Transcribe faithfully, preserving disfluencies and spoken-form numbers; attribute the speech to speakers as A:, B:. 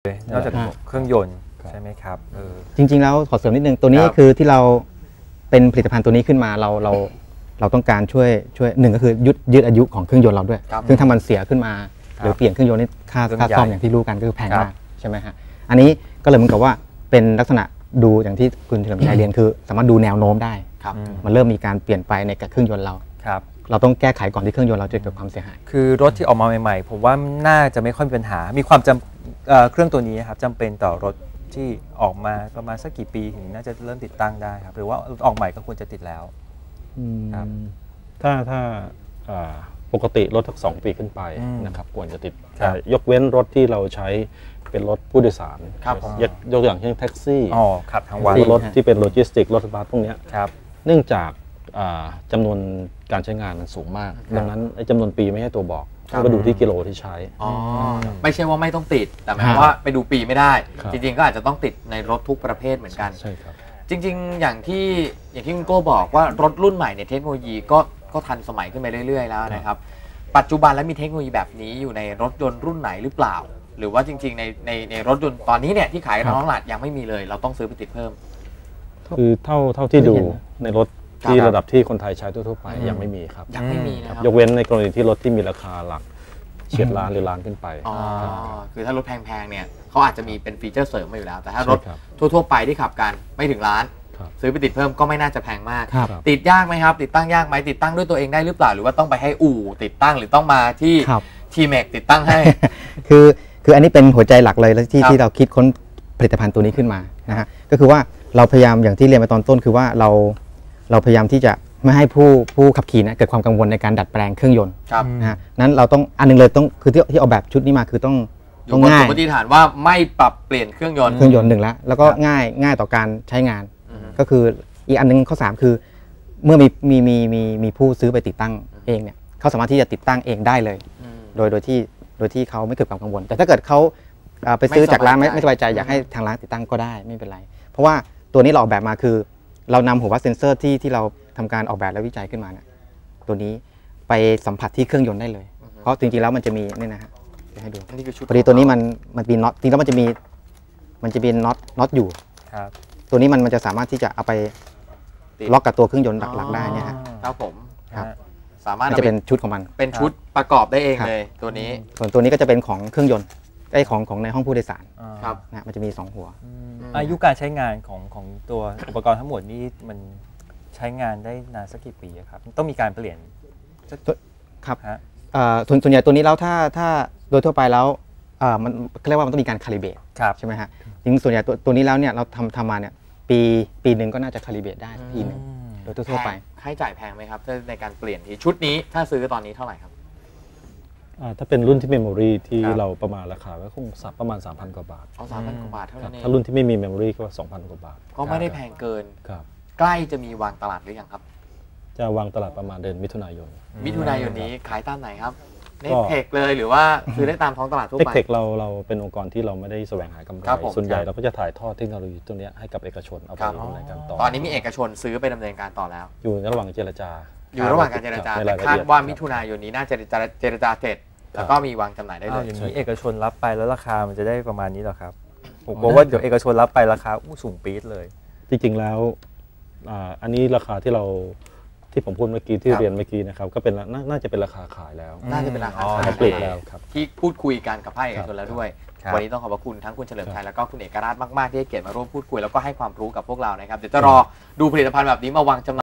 A: นอกจากเครื่องยนต์ใช่ไหมครับ
B: จริงๆแล้วขอเสริมนิดนึงตัวนี้คือที่เราเป็นผลิตภัณฑ์ตัวนี้ขึ้นมาเราเราเราต้องการช่วยช่วยหนึ่งก็คือยืดยืดอายุของเครื่องยนต์เราด้วยซึ่งถ้ามันเสียขึ้นมาหรือเปลี่ยนเครื่องยนต์นี่ค่าค่าซ่อมอย่างที่รู้กันก็คือแพงมากใช่ไหมฮะอันนี้ก็เลยเหมือนกับว่าเป็นลักษณะดูอย่างที่คุณเฉลิมชัยเรียนคือสามารถดูแนวโน้มได้มันเริ่มมีการเปลี่ยนไปในเครื่องยนต์เราเราต้องแก้ไขก่อนที่เครื่องยนต์เราจะเกิดความเสียหาย
A: คือรถที่ออกมาใหม่ๆผมว่าน่าจะไม่ค่อยมีปัญหามีความจำเครื่องตัวนี้ครับจำเป็นต่อรถที่ออกมาประมาณสักกี่ปีถึงน่าจะเริ่มติดตั้งได้ครับหรือว่าออกใหม่ก็ควรจะติดแล้ว
C: ครับถ้าถ้าปกติรถทั้งสองปีขึ้นไปนะครับควรจะติดยกเว้นรถที่เราใช้เป็นรถผู้โดยสารยกยกตัวอย่างเช่นแท็กซี่
A: ขับทั้งวัน
C: รถที่เป็นโลจิสติกรถบัสพวกนี้เนื่องจากจำนวนการใช้งานมันสูงมากดังนั้นจำนวนปีไม่ใช่ตัวบอกต้องไปดูที่กิโลที่ใช้
D: ไม่ใช่ว่าไม่ต้องติดแต่หมายว่าไปดูปีไม่ได้จริงๆก็อาจจะต้องติดในรถทุกประเภทเหมือนกัน
C: ใช่ครับ
D: จริงๆอย่างที่อย่างที่คุณโก้บอกว่ารถรุ่นใหม่ในเทคโนโลยีก็ก็ทันสมัยขึ้นไปเรื่อยๆแล้วนะครับปัจจุบันแล้วมีเทคโนโลยีแบบนี้อยู่ในรถยนต์รุ่นไหนหรือเปล่าหรือว่าจริงๆในในในรถยนต์ตอนนี้เนี่ยที่ขายท้องตลาดยังไม่มีเลยเราต้องซื้อไปติดเพิ่ม
C: คือเท่าเท่าที่ดูในรถที่ระดับที่คนไทยใช้ทั่วๆไปยังไม่มีครับ
D: ยังไม่มีนะครับ
C: ยกเว้นในกรณีที่รถที่มีราคาหลักเฉียดล้านหรือล้านขึ้นไป
D: อ๋อคือถ้ารถแพงๆเนี่ยเขาอาจจะมีเป็นฟีเจอร์เสริมมาอยู่แล้วแต่ถ้ารถทั่วๆไปที่ขับกันไม่ถึงล้านซื้อไปติดเพิ่มก็ไม่น่าจะแพงมากติดยากไหมครับติดตั้งยากไหมติดตั้งด้วยตัวเองได้หรือเปล่าหรือว่าต้องไปให้อู่ติดตั้งหรือต้องมาที่ทีเมกติดตั้งให้
B: คือคืออันนี้เป็นหัวใจหลักเลยที่ที่เราคิดค้นผลิตภัณฑ์ตัวนี้ขึ้นมานะฮะก็คือว่าเราพยายามอย่างที่เรียนไปตอนต้นคือว่าเราเราพยายามที่จะไม่ให้ผู้ผู้ขับขี่นะเกิดความกังวลในการดัดแปลงเครื่องยนต์นะฮะนั้นเราต้องอันนึงเลยต้องคือที่ที่ออกแบบชุดนี้มาคือต้อง
D: ต้องง่ายสมมติฐานว่าไม่ปรับเปลี่ยนเครื่องยนต์
B: เครื่องยนต์หนึ่งแล้วแล้วก็ง่ายง่ายต่อการใช้งานก็คืออีกอันนึงข้อสามคือเมื่อมีมีมีมีมีผู้ซื้อไปติดตั้งเองเนี่ยเขาสามารถที่จะติดตั้งเองได้เลยโดยโดยที่โดยที่เขาไม่เกิดความกังวลแต่ถ้าเกิดเขาไปซื้อจากร้านไม่ไม่สบายใจอยากให้ทางร้านติดตั้งก็ได้ไม่เป็นไรเพราะว่าตัวนี้เราออกแบบมาคือเรานำหัววัดเซนเซอร์ที่ที่เราทำการออกแบบและวิจัยขึ้นมาเนี่ยตัวนี้ไปสัมผัสที่เครื่องยนต์ได้เลยเพราะจริงๆแล้วมันจะมีนี่นะฮะจะให้ดูพอดีตัวนี้มันมันมีน็อตจริงๆแล้วมันจะมีมันจะมีน็อตน็อตอยู่ตัวนี้มันมันจะสามารถที่จะเอาไปล็อกกับตัวเครื่องยนต์หลักๆได้เนี่ย
D: ครับผม
B: ครับสามารถจะเป็นชุดของมัน
D: เป็นชุดประกอบได้เองเลยตัวนี้
B: ส่วนตัวนี้ก็จะเป็นของเครื่องยนต์ไอ้ของของในห้องผู้โดยสาร
D: ครับ
B: นะมันจะมีสองหัว
A: อายุการใช้งานของของตัวอุปกรณ์ทั้งหมดนี้มันใช้งานได้นานสักกี่ปีครับต้องมีการเปลี่ยน
B: ครับส่วนส่วนใหญ่ตัวนี้แล้วถ้าถ้าโดยทั่วไปแล้วมันเรียกว่ามันต้องมีการคาลิเบรตใช่ไหมฮะจริงส่วนใหญ่ตัวตัวนี้แล้วเนี่ยเราทำทำมาเนี่ยปีปีหนึ่งก็น่าจะคาลิเบรตได้ทีหนึ่งโดยทั่วไป
D: ค่าใช้จ่ายแพงไหมครับในการเปลี่ยนทีชุดนี้ถ้าซื้อตอนนี้เท่าไหร่ครับ
C: ถ้าเป็นรุ่นที่เมมโมรีที่เราประมาณราคาก็คงสับประมาณ สามพัน กว่าบาท
D: อ๋อ สามพัน กว่าบาทเท่านั้นเอง
C: ถ้ารุ่นที่ไม่มีเมมโมรีก็ สองพัน กว่าบาท
D: ก็ไม่ได้แพงเกิน
C: ครับ
D: ใกล้จะมีวางตลาดหรือยังครับ
C: จะวางตลาดประมาณเดือนมิถุนายน
D: มิถุนายนนี้ขายตามไหนครับในเทคเลยหรือว่าซื้อได้ตามท้องตลาดทั่วไป
C: เทคเราเราเป็นองค์กรที่เราไม่ได้แสวงหากำไรส่วนใหญ่เราก็จะถ่ายทอดเทคโนโลยีตัวนี้ให้กับเอกชนเอาไปดำเนินการต่อ
D: ตอนนี้มีเอกชนซื้อไปดำเนินการต่อแล้ว
C: อยู่ในระหว่างเจรจา
D: อยู่ระหว่างการเจรจาคาดว่ามิถุนายนนี้น่าจะเจรจาเสร็จแล้วก็มีวางจำหน่ายได้เลย
A: อย่างนี้เอกชนรับไปแล้วราคามันจะได้ประมาณนี้หรอครับผมกลัวว่าเดี๋ยวเอกชนรับไปราคาสูงปี๊ดเลย
C: จริงๆแล้วอันนี้ราคาที่เราที่ผมพูดเมื่อกี้ที่เรียนเมื่อกี้นะครับก็เป็นน่าจะเป็นราคาขายแล้ว
D: น่าจะเป็นราคาขาย
C: ปลีกแล้วครับ
D: ที่พูดคุยกันกับภาคเอกชนแล้วด้วยวันนี้ต้องขอบพระคุณทั้งคุณเฉลิมชัยแล้วก็คุณเอกราชมากๆที่ให้เกียรติมาร่วมพูดคุยแล้วก็ให้ความรู้กับพวกเรานะครับเดี๋ยวจะรอดูผลิตภัณฑ์แบบนี้มาวางจำหน่าย